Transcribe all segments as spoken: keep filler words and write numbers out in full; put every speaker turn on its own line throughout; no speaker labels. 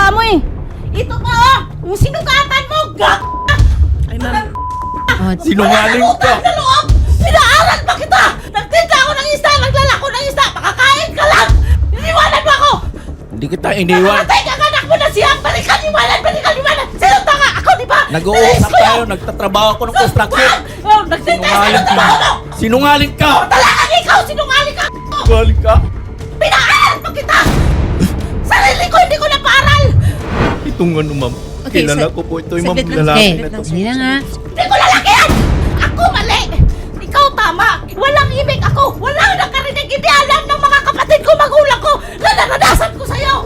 mukha mo eh. Ito pa oh! Yung sinugatan mo! Gak!
Ay, ma'am.
Oh,
Sinungaling ka!
Sa loob! Pinaaral pa kita! Nagtinda ako ng isda! Naglalako ng isda! Makakain ka lang! Iniwanan mo ako!
Hindi kita iniwan.
Nakatay ka anak mo na siya! Balikan iwanan! Balikan iwanan! Sino tanga? Ako di ba?
Nag-uusap tayo, nagtatrabaho ako ng construction.
Oh, nagtinda sa
Sinungaling ka!
trabaho mo!
Sinungaling ka!
Talagang ikaw! Sinungaling ka!
Sinungaling ka!
Pinaaral pa kita! Sarili ko hindi ko napaaral!
Itong ano, ma'am.
Okay,
Kilala
sa-
ko po ito yung ma'am
saglit lang,
lalaki
saglit
na
lang.
to.
Hindi na nga.
Hindi ko lalaki yan! Ako mali! Ikaw tama! Walang ibig ako! Walang nakarinig! Hindi alam ng mga kapatid ko, magulang ko na naranasan ko sa'yo!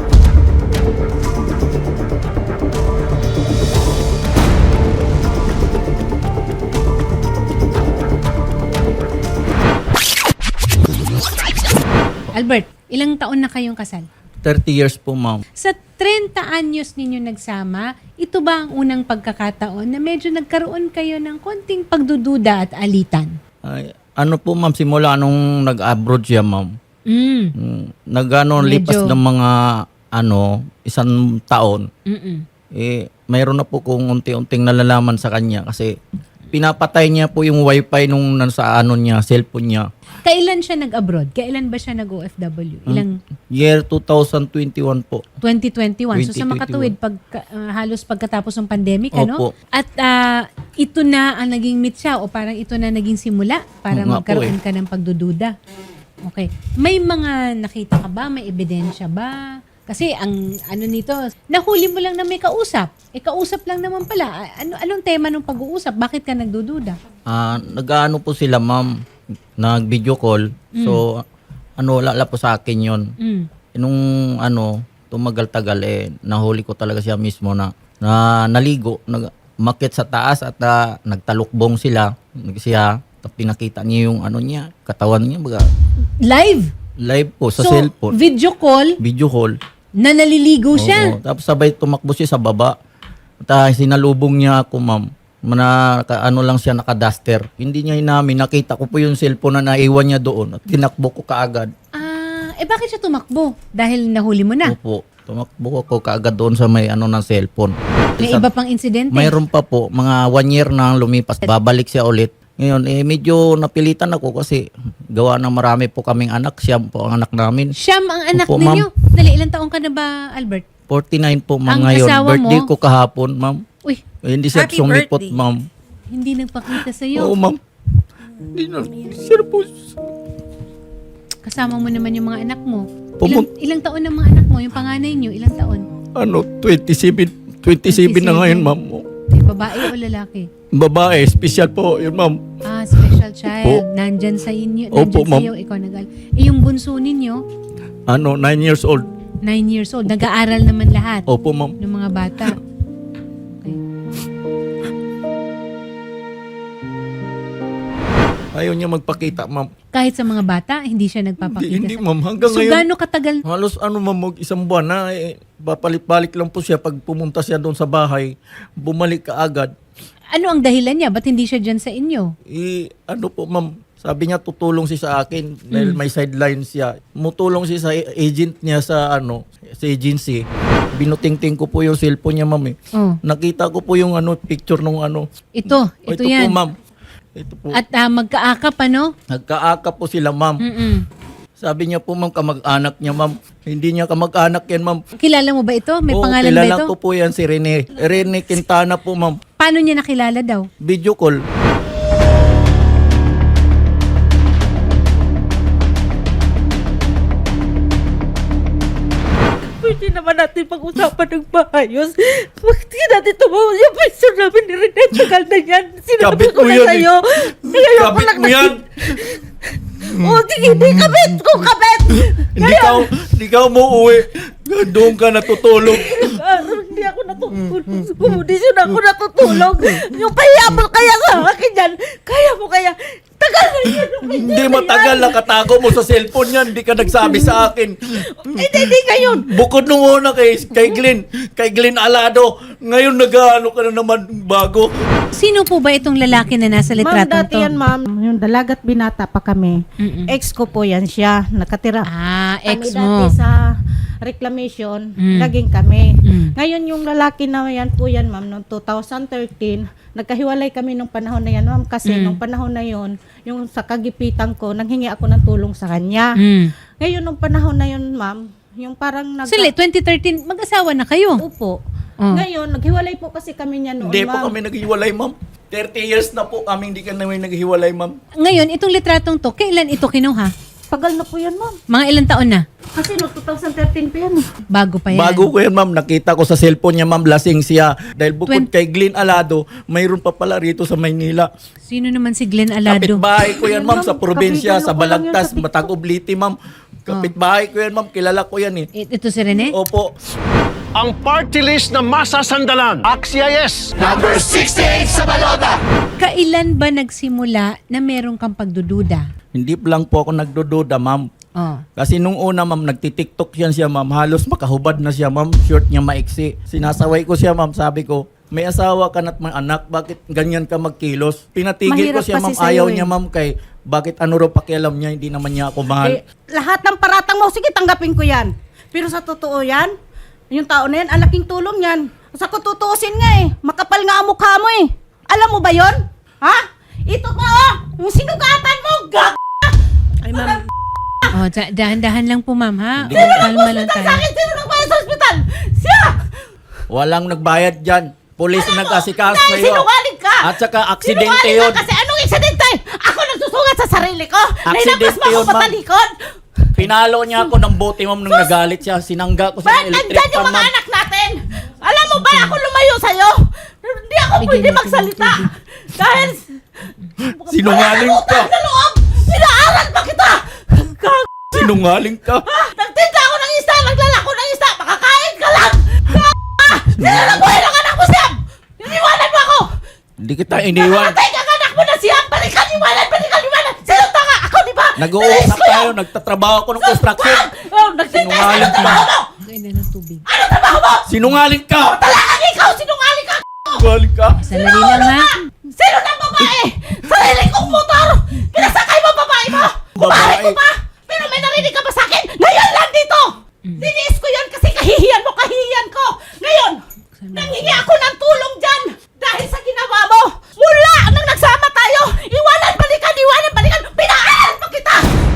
Albert, ilang taon na kayong kasal?
thirty years po, ma'am.
Sa thirty anyos ninyo nagsama, ito ba ang unang pagkakataon na medyo nagkaroon kayo ng konting pagdududa at alitan?
Ay, ano po, ma'am, simula nung nag-abroad siya, ma'am.
Mm.
Mm, Nag-ano,
Medyo-
lipas ng mga, ano, isang taon.
Mm-mm.
Eh, mayroon na po kung unti-unting nalalaman sa kanya kasi pinapatay niya po yung wifi nung nasa ano niya, cellphone niya.
Kailan siya nag-abroad? Kailan ba siya nag-O F W? Ilang?
Year two thousand twenty-one po.
twenty twenty-one. So sa
twenty twenty-one.
makatuwid, pag, uh, halos pagkatapos ng pandemic,
Opo.
ano? At ah, ito na ang naging meet siya o parang ito na naging simula para
Oo nga po
magkaroon
eh.
ka ng pagdududa. Okay. May mga nakita ka ba? May ebidensya ba? Kasi ang ano nito, nahuli mo lang na may kausap. Eh kausap lang naman pala. A- Ano anong tema ng pag-uusap? Bakit ka nagdududa?
Ah, nag-ano po sila, ma'am, nag-video call. So, ano, wala po sa akin yon.
Mm.
Nung ano, tumagal-tagal eh, nahuli ko talaga siya mismo na, na naligo, nag umakyat sa taas at ah, nagtalukbong sila. Nag- Siya, tapos pinakita niya yung ano niya, katawan niya, baga,
Live.
live po sa
So,
cellphone.
video call
Video call.
na naliligo siya.
Oo. Tapos sabay tumakbo siya sa baba. At ah, sinalubong niya ako, ma'am. Mana, naka- ano lang siya, naka-duster. Hindi niya inamin. Nakita ko po yung cellphone na naiwan niya doon. At tinakbo ko kaagad.
Ah, eh bakit siya tumakbo? Dahil nahuli mo na.
Opo. Tumakbo ko kaagad doon sa may ano ng cellphone.
May
Sa-
iba pang insidente.
Mayroon pa po. Mga one year na lumipas. Babalik siya ulit. Ngayon, eh, medyo napilitan ako kasi gawa ng marami po kaming anak. Siya po ang anak namin.
Siyam ang anak
Opo,
ninyo. Dali, ilang taon ka na ba, Albert?
forty-nine po, ma'am,
Ang
ngayon.
asawa
Birthday
mo?
ko kahapon, ma'am.
Uy,
Eh, hindi siya
Happy
sumipot,
birthday.
ma'am.
hindi nagpakita
Oo,
sa'yo.
ma'am. Hindi na. Sir po.
Kasama mo naman yung mga anak mo. Ilang,
Pumun-
ilang taon ang mga anak mo? Yung panganay nyo, ilang taon?
Ano, twenty-seven. twenty-seven na ngayon, ma'am.
Eh, babae o lalaki?
Babae, special po. Yun, ma'am.
Ah, special child.
Opo.
Nandyan sa inyo.
Opo,
Nandyan
ma'am.
sa'yo, ikaw nagal. Eh, yung bunso ninyo,
Ano, nine years old.
nine years old. Nag-aaral naman lahat
Opo, ma'am.
ng mga bata. Okay.
Ayaw niya magpakita, ma'am.
Kahit sa mga bata, hindi siya
Hindi,
nagpapakita.
hindi
sa-
ma'am. Hanggang
So,
ngayon.
gaano katagal?
Halos ano, ma'am, mag isang buwan na. Eh, babalik-balik lang po siya pag pumunta siya doon sa bahay. Bumalik ka agad.
Ano ang dahilan niya? Ba't hindi siya dyan sa inyo?
Eh, ano po, ma'am. Sabi niya tutulong siya sa akin dahil may sideline siya. Mutulong siya sa agent niya sa ano, sa agency. Binutingting ko po yung cellphone niya, ma'am. Eh.
Oh,
Nakita ko po yung ano picture nung ano.
ito.
Oh,
Ito,
po,
yan.
ma'am. Ito po.
At ah, magkaakap, ano?
Nagkaaka po sila, ma'am.
Mm-mm.
Sabi niya po, ma'am, kamag-anak niya, ma'am. Hindi niya kamag-anak yan, ma'am.
Kilala mo ba ito? May
Oo,
pangalan ba
kilala
ito?
ko po yan si Rene. Rene Quintana po, ma'am.
Paano niya nakilala daw?
Video call.
Pwede naman natin pag-usapan ng maayos. Bakit di natin tumawa yung pwesto namin ni Rene? Tagal na yan. Sinabi
Kabit
ko
mo
na
yan,
sa'yo. Ngayon ko
Kabit
lang
mo yan.
O, sige, di kabit ko, kabit!
Hindi ka, hindi ka umuwi. Doon ka natutulog.
Araw, hindi ako natutulog. Sa komodisyon ako natutulog. Yung pahiya mo kaya sa akin yan. Kaya mo kaya. Tagal na yan.
Hindi matagal nakatago mo sa cellphone yan. Hindi ka nagsabi sa akin.
Hindi, hindi ngayon.
Bukod nung una kay, kay Glenn, kay Glenn Alado, ngayon nag-ano ka na naman bago.
Sino po ba itong lalaki na nasa
Ma'am,
litratong
dati
to?
yan, ma'am. Yung dalagat binata pa kami.
Mm-mm.
Ex ko po yan siya. Nakatira.
Ah, ex
Kami
mo.
dati sa
reclamation,
Mm.
naging kami.
Mm.
Ngayon yung lalaki na yan po yan, ma'am, noong two thousand thirteen, nagkahiwalay kami nung panahon na yan, ma'am, kasi
Mm.
nung panahon na yon, yung sa kagipitan ko, nanghingi ako ng tulong sa kanya.
Mm.
Ngayon nung panahon na yon, ma'am, yung parang nag-
Sili, twenty thirteen, mag-asawa na kayo.
Upo.
Oh.
Ngayon, naghiwalay po kasi kami niya noon,
Hindi po
ma'am.
kami naghiwalay, ma'am. thirty years na po kami hindi kami naghiwalay, ma'am.
Ngayon, itong litratong to, kailan ito kinuha?
Tagal na po yan, ma'am.
Mga ilang taon na?
Kasi no, two thousand thirteen pa yan. eh.
Bago pa yan.
Bago ko yan, ma'am. Nakita ko sa cellphone niya, ma'am, lasing siya. Dahil bukod
Twen-
kay Glenn Alado, mayroon pa pala rito sa Maynila.
Sino naman si Glenn Alado?
Kapitbahay ko yan, ma'am, sa
Ma'am,
probinsya,
kapitan
sa
ko lang yun
Balagtas,
sa TikTok.
Matagubliti, ma'am. Kapitbahay ko yan, ma'am. Kilala ko yan, eh.
I- Ito si Rene?
Opo.
Ang party list na masasandalan. Axia yes.
Kailan ba nagsimula na meron kang pagdududa?
Hindi pa lang po ako nagdududa, ma'am.
Oh.
Kasi nung una, ma'am, nagtitiktok yan siya, ma'am. Halos makahubad na siya, ma'am. Short niya maiksi. Sinasaway ko siya, ma'am. Sabi ko, may asawa ka na't may anak. Bakit ganyan ka magkilos? Pinatigil ko
Mahirap
siya,
kasi
ma'am.
sa'yo,
Ayaw
eh.
niya, ma'am. Kay, bakit ano raw pakialam niya? Hindi naman niya ako mahal.
Eh, lahat ng paratang mo, sige, tanggapin ko yan. Pero sa totoo yan, yung tao na yan, ang laking tulong yan. Sa ko tutuusin nga eh, makapal nga ang mukha mo eh. Alam mo ba yon? Ha? Ito pa oh, yung sinugatan mo, gag... Ay, ma'am.
Oh, da- dahan-dahan lang po, ma'am, ha?
Hindi.
Kalma lang
Sa
tayo.
akin, sino nagbayad sa ospital? Siya!
Walang nagbayad dyan. Pulis na nag-asikaso
Dahil
sa'yo.
sinungaling ka!
At saka aksidente
Sinungaling
yun.
ka kasi anong aksidente? Ako nagsusugat sa sarili ko.
Aksidente
Nailabas mo ako
yun, ma'am.
patalikod.
Pinalo niya ako ng bote, ma'am, nung nagalit siya. Sinangga ko sa
Bakit
electric
nandyan yung
fan,
mga
ma'am.
anak natin? Alam mo ba ako lumayo sa'yo? Hindi ako
Bigyan
pwede
natin
magsalita.
ng
Dahil...
Sinungaling
Walang
ka.
utang na loob! Pinaaral pa kita! Gag...
Sinungaling ka.
Nagtinda ako ng isda, naglalako ng isda, makakain ka lang! Gag... Sino nagbuhay ng anak mo, Siam? Iniwanan mo ako!
Hindi kita iniwan.
Nakatay ka ng anak mo na Siam! Balikan, iwanan, balikan, iwanan! Sino tanga? Ako, di ba?
Nag-uusap
Nilis ko
tayo,
yun!
nagtatrabaho ako ng construction.
Oh, nagtinda! Ano
Sinungaling ka.
trabaho mo?
Kain na ng tubig.
Ano trabaho mo?
Sinungaling ka.
Talagang ikaw, sinungaling ka!
Sinungaling ka.
Sandali lang, ha?
Sino na babae? Sarili kong motor! Pinasakay mo babae mo! Kumahay ko
Babae.
pa! Pero may narinig ka ba sa akin? Ngayon lang dito! Diniis ko yan kasi kahihiyan mo, kahihiyan ko! Ngayon, nanghingi ako ng tulong dyan! Dahil sa ginawa mo! Mula nang nagsama tayo! Iwanan, balikan, iwanan, balikan! Pinaaral pa kita!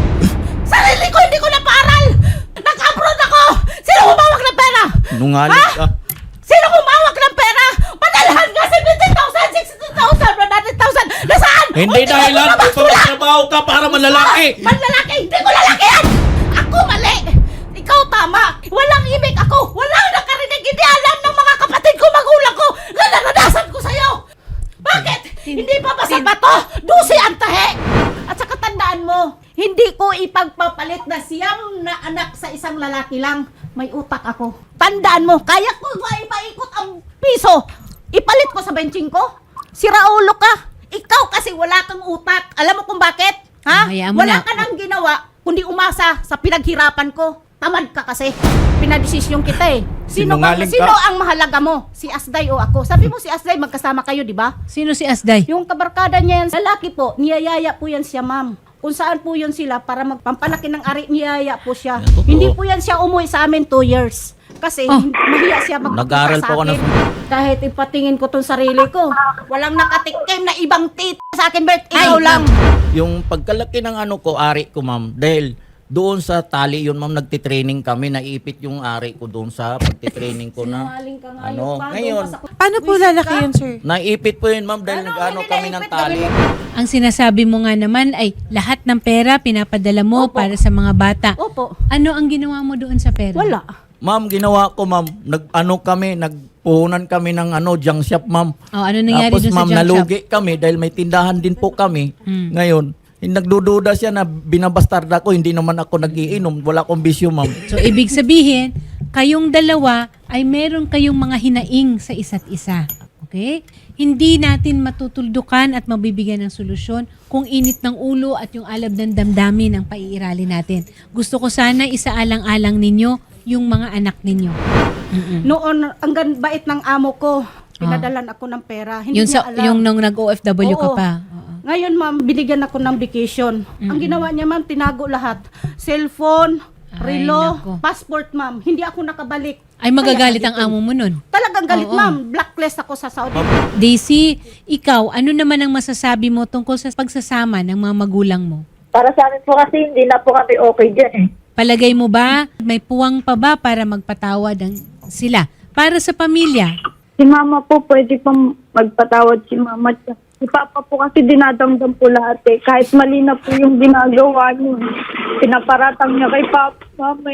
Sarili ko, hindi ko napaaral! Nag-abroad ako! Sino humawak ng pera?
Sinungaling ka.
Sino kumawak ng pera? Padalhan nga seventy thousand, sixty thousand, one hundred thousand. Nasaan?
Hindi
Unti
dahilan.
ko
Ito trabaho ka para malalaki.
Manlalaki! Hindi ko lalaki yan! Ako mali! Ikaw tama! Walang imig ako! Walang nakarinig! Hindi alam ng mga kapatid ko, magulang ko! Na naranasan ko sa'yo! Bakit? Hindi pa ba sa bato? Dusi ang tahe! At saka tandaan mo, hindi ko ipagpapalit na siyang na anak sa isang lalaki lang. May utak ako. Tandaan mo, kaya ko ba ipaikot ang piso? Ipalit ko sa benching ko? Siraulo ka! Ikaw kasi wala kang utak. Alam mo kung bakit? Ha?
Hayaan mo
Wala
na.
ka nang ginawa kundi umasa sa pinaghirapan ko. Tamad ka kasi. Pinadesisyon kita eh. Sino, ba,
Sinungaling ka.
sino ang mahalaga mo? Si Asday o ako? Sabi mo si Asday, magkasama kayo, di ba?
Sino si Asday?
Yung kabarkada niya yan, lalaki po, niyayaya po yan siya, ma'am. Kung saan po yun sila para magpampalaki ng ari, niyaya po siya.
Yan, totoo.
Hindi po yan siya umuwi sa amin two years. Kasi
Oh.
hindi- mahiya siya magpapaka
Nag-aaral
sa
po ako
akin.
ng-
Kahit ipatingin ko tong sarili ko, walang nakatikim na ibang tit sa akin, Bert.
Ay,
Ikaw lang.
Yung pagkalaki ng ano ko, ari ko, ma'am, dahil doon sa tali yun, ma'am, nagtitraining kami, naiipit yung ari ko doon sa pagtitraining ko na.
Sinungaling ka nga,
Ano,
yung bago
ngayon,
pa sa-
Paano po
Wisit
lalaki
ka?
yun, sir?
Naiipit po yun, ma'am, dahil
Ano,
nag-ano
hindi
kami ng
naipit,
tali.
gawin
Ang sinasabi mo nga naman ay lahat ng pera pinapadala mo
Opo.
para sa mga bata.
Opo.
Ano ang ginawa mo doon sa pera?
Wala.
Ma'am, ginawa ko, ma'am, nag-ano kami, nagpuhunan kami ng ano, junk shop, ma'am.
Oh, ano nangyari
Tapos,
doon sa
ma'am,
junk shop?
nalugi kami dahil may tindahan din po kami.
Mm.
Ngayon, hindi nagdududa siya na binabastarda ko, hindi naman ako nagiinom, wala akong bisyo, ma'am.
So, ibig sabihin, kayong dalawa ay meron kayong mga hinaing sa isa't isa. Okay? Hindi natin matutuldukan at mabibigyan ng solusyon kung init ng ulo at yung alab ng damdamin ang paiirali natin. Gusto ko sana isaalang-alang ninyo yung mga anak ninyo. Mm-mm.
Noon, ang gan- bait ng amo ko, pinadalan ako ng pera. Hindi
Yung,
niya
sa,
alam.
yung nung nag-O F W ka
Oo.
pa. Oo.
Ngayon, ma'am, binigyan ako ng vacation. Ang ginawa niya, ma'am, tinago lahat. Cellphone,
Ay,
relo,
nako.
passport, ma'am. Hindi ako nakabalik.
Ay, magagalit
Kaya,
ang amo mo nun.
Talagang galit,
Oo.
ma'am. Blacklist ako sa Saudi.
Daisy, ikaw, ano naman ang masasabi mo tungkol sa pagsasama ng mga magulang mo?
Para sa amin po kasi hindi na po kami okay dyan eh.
Palagay mo ba, may puwang pa ba para magpatawad ang sila? Para sa pamilya,
Si mama po pwede pang magpatawad si mama. Si papa po kasi dinadamdam po lahat eh. Kahit mali na po yung ginagawa niyo. Pinaparatang niya kay papa. Mama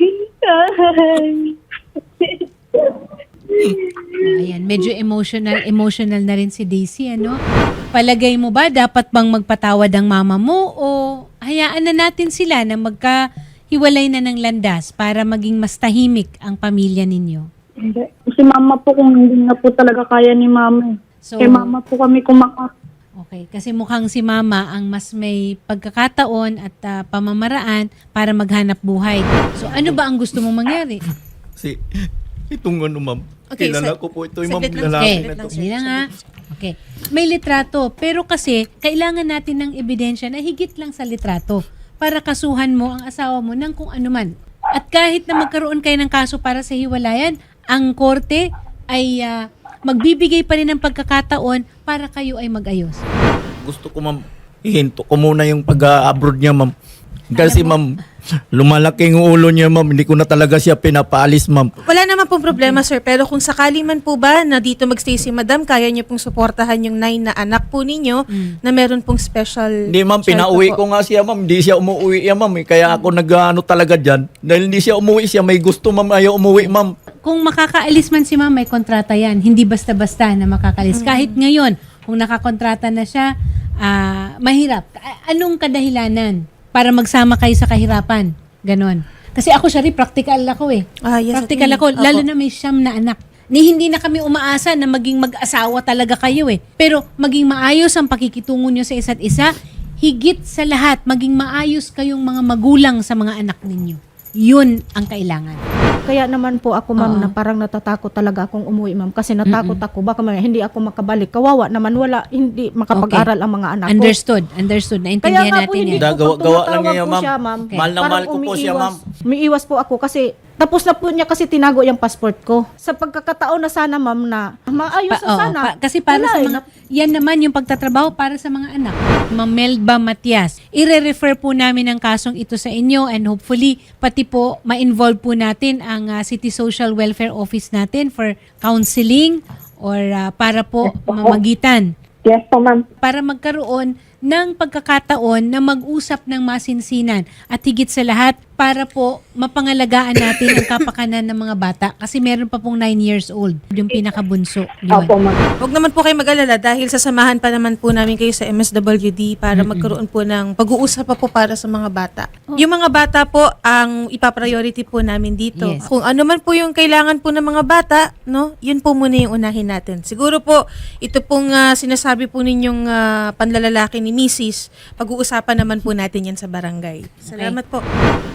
oh, ayan, medyo emotional, emotional na rin si Daisy, ano? Palagay mo ba, dapat bang magpatawad ang mama mo o hayaan na natin sila na magkahiwalay na ng landas para maging mas tahimik ang pamilya ninyo?
Hindi. Si mama po kung hindi na po talaga kaya ni mama.
So,
Kay mama po kami kumaka.
okay, kasi mukhang si mama ang mas may pagkakataon at ah, pamamaraan para maghanap buhay. So, ano ba ang gusto mong mangyari?
Si, itong ano ma'am,
Okay,
kilala
sa-
ko po ito yung ma'am
saglit lang,
lalaki
Okay,
na to.
hindi lang ha. Okay. May litrato, pero kasi kailangan natin ng ebidensya na higit lang sa litrato para kasuhan mo ang asawa mo ng kung ano man. At kahit na magkaroon kayo ng kaso para sa hiwalayan, ang korte ay ah, magbibigay pa rin ng pagkakataon para kayo ay mag-ayos.
Gusto ko ma'am, ihinto ko muna yung pag-abroad niya ma'am. Kasi ma'am, lumalaki yung ulo niya ma'am, hindi ko na talaga siya pinapaalis ma'am.
Wala naman pong problema, sir. Pero kung sakali man po ba na dito magstay si madam, kaya niyo pong suportahan yung nine na anak po ninyo na meron pong special
Hindi ma'am,
shelter
pinauwi
po.
ko nga siya ma'am, hindi siya umuwi yan ma'am. eh. Kaya ako nag-ano talaga dyan. Dahil hindi siya umuwi siya, may gusto ma'am, ayaw umuwi ma'am.
Kung makakaalis man si ma'am, may kontrata yan. Hindi basta-basta na makakaalis. Kahit ngayon, kung nakakontrata na siya, ah, mahirap. A- Anong kadahilanan para magsama kayo sa kahirapan? Ganon. Kasi ako, Shari, practical ako eh.
Ah, yes,
practical
attorney.
ako,
Opo.
lalo na may siyam na anak. Ni hindi na kami umaasa na maging mag-asawa talaga kayo eh. Pero maging maayos ang pakikitungo nyo sa isa't isa, higit sa lahat, maging maayos kayong mga magulang sa mga anak ninyo. Yun ang kailangan.
Kaya naman po ako, ma'am,
Oo.
na parang natatakot talaga akong umuwi, ma'am. Kasi natakot ako, baka may, hindi ako makabalik. Kawawa naman, wala, hindi makapag-aral ang mga anak ko.
Understood. Understood.
Kaya
Naintindihan
nga po,
natin
hindi
yan.
ko
Gawa-
po
gawa lang
tumatawag
niya,
po
ma'am.
siya, ma'am.
Okay.
Mahal na
Parang
mahal ko po siya,
umiiwas.
ma'am.
Umiiwas po ako kasi tapos na po niya kasi tinago yung passport ko. Sa pagkakataon na sana, ma'am, na maayos
Pa-
na
oo,
sana.
pa- kasi para
Wala
sa
eh,
mga,
na-
yan naman yung pagtatrabaho para sa mga anak. Ma'am Melba Matias, ire-refer po namin ang kasong ito sa inyo and hopefully pati po ma-involve po natin ang ah, City Social Welfare Office natin for counseling or ah, para po mamagitan
Yes po ma'am.
para magkaroon ng pagkakataon na mag-usap ng masinsinan at higit sa lahat para po mapangalagaan natin ang kapakanan ng mga bata kasi meron pa pong nine years old, yung pinakabunso. Yun.
Opo ma'am.
Huwag naman po kayo mag-alala dahil sasamahan pa naman po namin kayo sa M S W D para magkaroon po ng pag-uusap pa po para sa mga bata. Yung mga bata po ang ipapriority po namin dito.
Yes.
Kung ano man po yung kailangan po ng mga bata, no, yun po muna yung unahin natin. Siguro po, ito pong ah, sinasabi po ninyong ah, panlalalaki ni Missus, pag-uusapan naman po natin yan sa barangay. Salamat po.